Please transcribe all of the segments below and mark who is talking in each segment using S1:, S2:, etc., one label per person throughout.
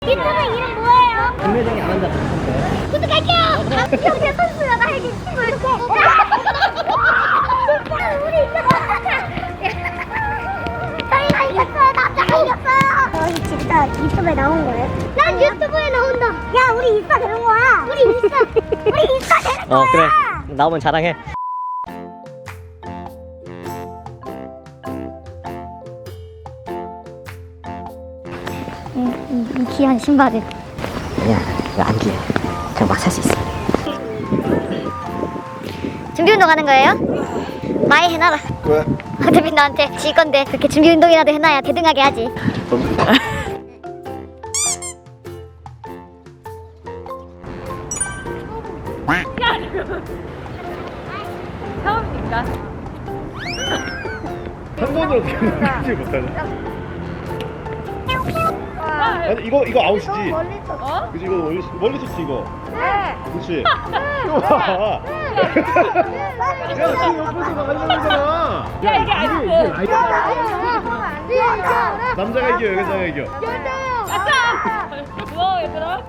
S1: 유튜브 이름 뭐예요?
S2: 금매장이 안 한다고.
S1: 구독할게요. 형제 선수야 나 이게 친구 이렇게. 우리 저희가 이겼어요. 남자가 이겼어요. 저희 진짜 유튜브에 나온 거예요? 난 유튜브에 나온다. 야 우리 인스타 되는 거야. 우리 인스타 되는 거야.
S2: 그래. 나오면 자랑해.
S1: 이 귀한 신발을.
S2: 아니야, 이거 안 귀해. 그냥 막 살 수 있어.
S1: 준비 운동 하는 거예요? 많이 해놔라.
S3: 왜?
S1: 어차피 나한테 질 건데 그렇게 준비 운동이라도 해놔야 대등하게 하지.
S4: 처음이니까.
S3: 한 번으로 어떻게 넘기지 못하냐? 아니 이거 아웃이지?
S4: 어?
S3: 그치 이거 멀리 쳤지 이거.
S4: 네.
S3: 그치? 이거 봐. 야 지금 옆에서 나가려잖아.
S4: 야, 이게 아니고.
S3: 남자가 이겨 여자가 이겨.
S4: 가자. 고마워 얘들아.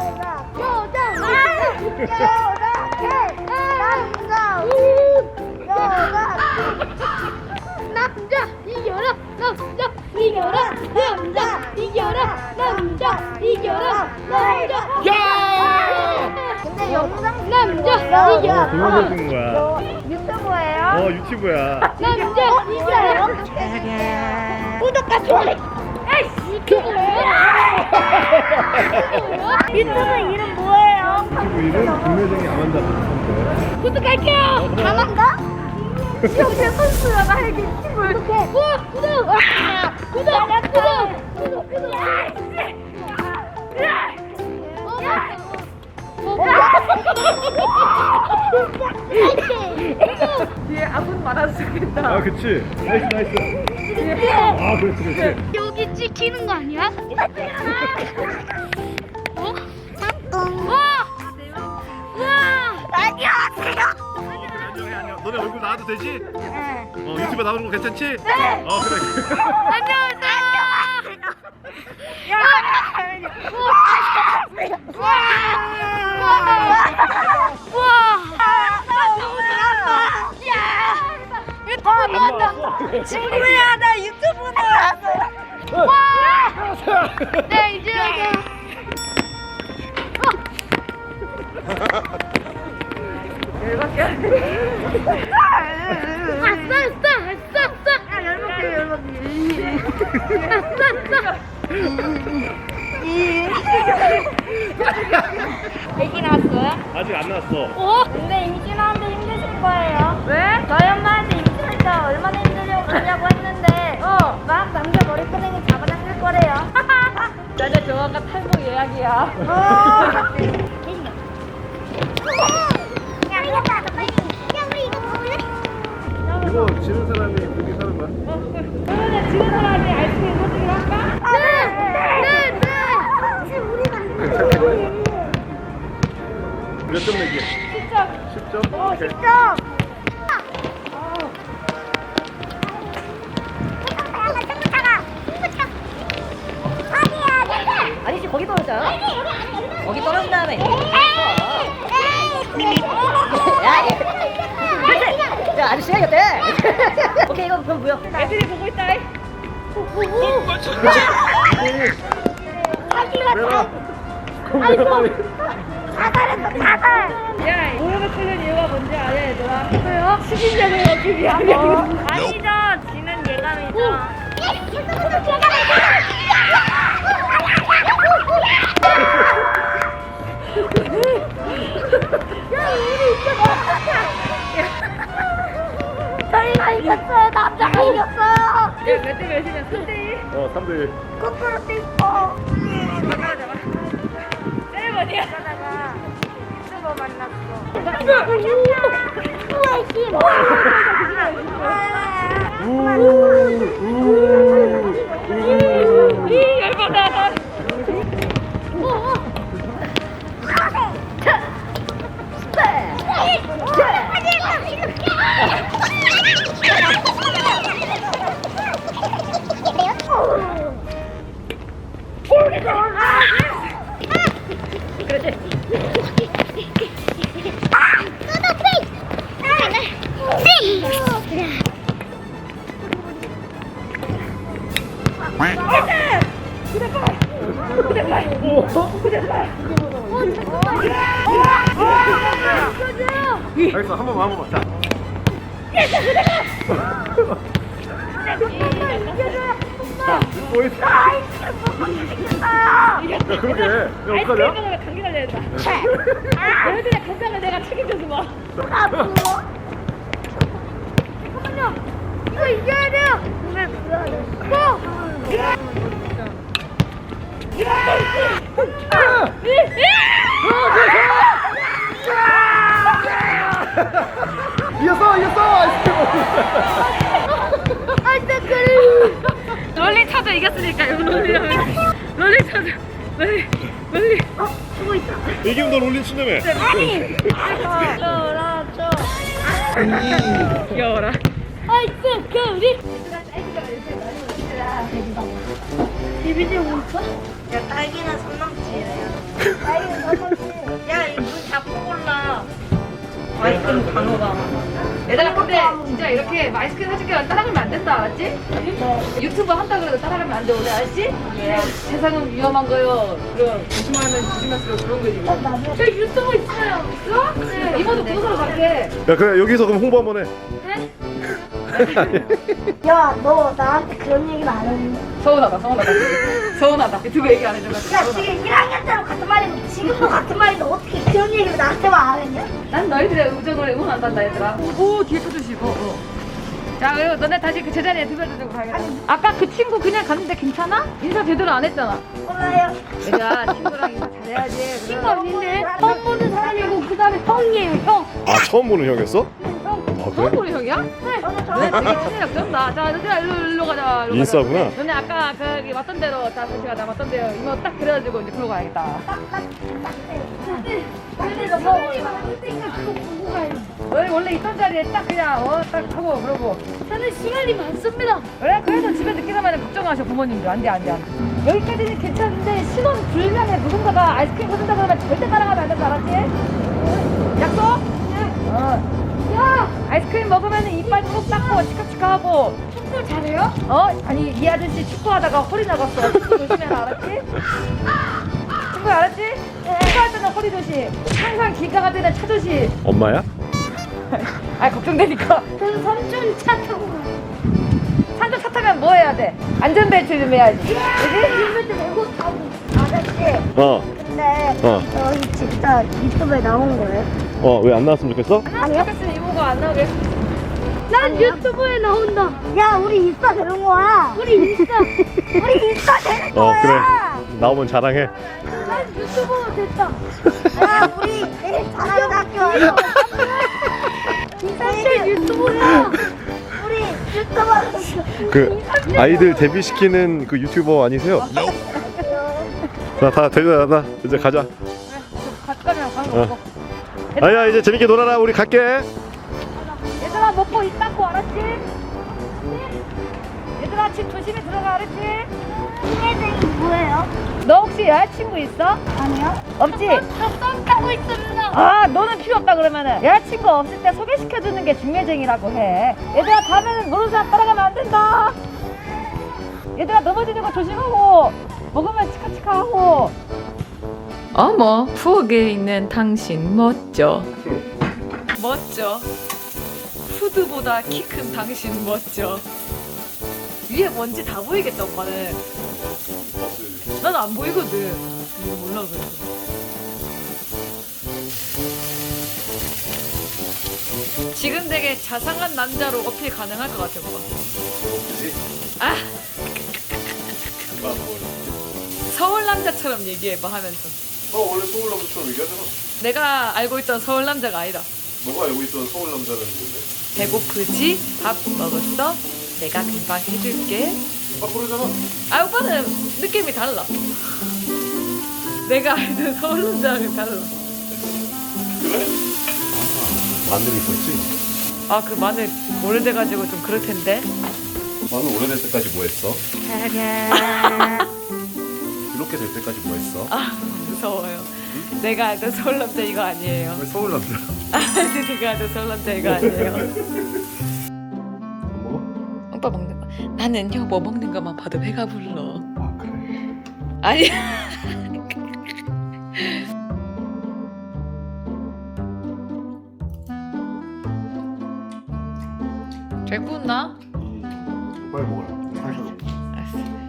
S1: 남자 이겨라 남자 이겨라 남자 이겨라 남자 이겨라 남자
S3: 야!
S1: 근데 영상 남자
S3: 어
S1: 이겨라
S3: 동영상 찍는 거야.
S4: 유튜브예요?
S3: 유튜브야.
S1: 남자 이겨라 구독과 좋아요 유튜브 이름 뭐예요?
S3: 유튜브 이름 금매장이 안 한다고.
S1: 구독할게요 가만가? 형제 선수야 나 이게 친구 이렇게 구독
S4: 뒤에 아군 많아서 좋겠다.
S3: 아 그치. 나이스. 아 그렇지.
S1: 여기 찍히는 거 아니야? 어? 잠깐 와! 안녕하세요
S3: 안녕. 너네 얼굴 나와도 되지? 유튜브에 나오는 거 괜찮지?
S1: 네.
S3: 그래.
S1: 안녕하세요
S4: 친구야 나 유튜브 나왔어.
S1: 네 이제
S4: 열받게 하네. 애기 나왔어요?
S3: 아직 안 나왔어.
S1: 근데 임신하는데 힘드실 거예요.
S4: 왜?
S1: 저희 엄마한테 임신할 때 얼마나 힘들냐고 했는데 막 남자 머리끄댕이 잡아당길 거래요.
S4: 여자 조화가 탈모 예약이야.
S1: 야 이거 봐 빨리. 야 우리 이거 먹을래?
S3: 이거 지는 사람이 고기 사는 거야?
S4: 그러면 지는 사람이 아이스크림 소식을 할까?
S1: 네. 지금 우리가
S3: 몇 점 내기?
S4: 10점.
S3: 10점? 오케이.
S2: 아니지, 거기 떨어져. 거기 떨어진 다음에. 야, 아저씨가 이겼대. 오케이, 이거 그럼 무효.
S4: 애들이 보고 있다.
S3: 내가
S4: 야, 모욕을 쓰는 이유가 뭔지 알아, 얘들아? 왜요? 식인자를 얻기 위함이야. 아니죠. 지는 예감이죠.
S1: 저희가 이겼어요. 남자가 이겼어요.
S4: 야, 몇 대 몇이냐? 3대1?
S3: 3대1.
S1: 거꾸로 뛰고.
S4: 세레머니야.
S1: 하다가 유튜버 만났어.
S4: 이 열받아.
S1: 어.
S3: 알겠어, 한 번만. 자. 뭐 했어? 야, 그러게. 야, 어떡하냐?
S4: 아이스크림 감기 걸려야 된다. 너희들의 건강을 내가 책임져서 봐. 잠깐만요. 이거 이겨야 돼요.
S3: 이겼어! 아이스크림!
S4: 롤리 차저 이겼으니까 이거 롤리 차저 롤리
S3: 이기면 너 롤린 친다며?
S4: 귀여워라. 아이스크림.
S1: 야, 딸기는 손 넘지.
S4: 야, 이거 문 잡고 골라. 아이스크림 간호가. 얘들아, 근데 진짜 이렇게 아이스크림 사줄게 따라가면 안 된다, 알았지? 유튜브 한다 그래도 따라가면 안 돼, 오늘 알았지? 세상은 위험한 거요. 그럼 조심하면 조심할수록 그런 거지. 저 유튜브 있어요. 있어? 네. 이모도 구독하러 갈게.
S3: 야, 그래, 여기서 그럼 홍보 한번 해.
S4: 네?
S1: 야, 너 나한테 그런 얘기는 안 했는데.
S4: 서운하다. 유튜브 얘기 안 해줘가지고.
S1: 야, 지금 1학년 때랑 같은 말이고 지금도 같은 말인데 어떻게 그런 얘기를 나한테만 안 했냐?
S4: 난 너희들의 우정을 응원한단다, 얘들아. 오, 뒤에 쳐주시고. 자, 그리고 너네 다시 그 제자리에 두별 두고 가야겠다. 아까 그 친구 그냥 갔는데 괜찮아? 인사 제대로 안 했잖아.
S1: 몰라요.
S4: 얘들아, 친구랑 인사 잘해야지.
S1: 친구 아닌데 처음 보는 사람이고 그 다음에 형이에요, 형.
S3: 아, 처음 보는 형이었어?
S1: 형.
S3: 아,
S4: 처음
S3: 그래?
S4: 보는 형이야? 네.
S1: 저는
S4: 너네
S1: 저는
S4: 되게 친해요. 그런다. 자, 너희들아, 일로 가자. 일로
S3: 인싸구나.
S4: 가자. 너네 아까 거기 왔던 대로, 자, 같이 가자. 왔던 대로. 이모 딱 그래가지고 이제 그러고 가야겠다.
S1: 근데 너 사람이랑 그때니까 그거 보고 가야지.
S4: 너희 원래 있던 자리에 딱 그냥, 딱 하고 그러고.
S1: 저는 시간이 많습니다.
S4: 그래? 그래도 집에 늦게 가면 걱정하셔 부모님들. 안 돼. 여기까지는 괜찮은데 신혼 불면에 누군가가 아이스크림 사준다 그러면 절대 따라가면 안 된다. 알았지? 약속? 네. 야! 아이스크림 먹으면 이빨 꼭 닦고 치카치카하고.
S1: 축구 잘해요?
S4: 아니 이 아저씨 축구하다가 허리 나갔어. 축구 조심해라. 알았지? 친구 알았지? 축구할 때는 허리 조심. 항상 길 가갈 때는 차 조심.
S3: 엄마야?
S4: 아 걱정되니까.
S1: 저는 삼촌 차 타고 가요.
S4: 산도 차 타면 뭐 해야 돼? 안전벨트 좀 해야지. 그지?
S1: 헬멧 메고 타고. 아저씨, 근데 저희 진짜 유튜브에 나온 거예요?
S3: 왜 안 나왔으면 좋겠어?
S1: 아니요?
S4: 그랬으면 이모가 안 나오게.
S1: 난 유튜브에 나온다. 야, 우리 인싸 되는 거야. 우리 인싸 되는 거야.
S3: 그래. 나오면 자랑해.
S1: 난 유튜버 됐다. 야, 우리 내일 자랑도 학교 와서. 인싸 유튜버야. 우리 유튜버 됐어.
S3: 그 아이들 데뷔시키는 그 유튜버 아니세요? 다 데려다. 이제 가자.
S4: 가까면 가는 거.
S3: 아야, 이제 재밌게 놀아라. 우리 갈게.
S4: 얘들아 먹고 입 닦고 알았지? 얘들아 집 조심히 들어가 알았지?
S1: 친해쟁이 뭐예요?
S4: 너 혹시 여자친구 있어?
S1: 아니요.
S4: 없지?
S1: 저썸 타고 있습니다.
S4: 아 너는 필요 없다 그러면은 여자친구 없을 때 소개시켜주는 게 중매쟁이라고 해. 얘들아 다음에는 모르는 사람 따라가면 안 된다. 얘들아 넘어지는 거 조심하고 먹으면 치카치카하고.
S5: 어머, 부엌에 있는 당신 멋져. 푸드보다 키 큰 당신 멋져. 위에 먼지 다 보이겠다, 오빠는. 난 안 보이거든. 이거 몰라, 그래서. 지금 되게 자상한 남자로 어필 가능할 것 같아, 오빠. 아! 서울 남자처럼 얘기해봐 하면서.
S3: 원래 서울 남자처럼 얘기하잖아.
S5: 내가 알고 있던 서울 남자가 아니다.
S3: 너가 알고 있던 서울 남자는 뭔데?
S5: 배고프지? 밥 먹었어? 내가 금방 해줄게.
S3: 그러잖아.
S5: 아 오빠는 느낌이 달라. 내가 알던 서울 남자랑은 달라.
S3: 그래? 마늘이 있었지?
S5: 아 그 마늘 오래돼가지고 좀 그럴 텐데.
S3: 마늘 오래될 때까지 뭐 했어? 이렇게 될 때까지 뭐 했어?
S5: 아 무서워요. 내가 알던 서울 남자 이거 아니에요.
S3: 왜 서울 남자?
S5: 내가 알던 서울 남자 이거 아니에요.
S3: 뭐?
S5: 오빠 먹는 거. 나는 여보 먹는 것만 봐도 배가 불러.
S3: 아, 그래.
S5: 아니 잘 구웠나?
S3: 빨리 먹어라. 다시 먹어.
S5: 알았어.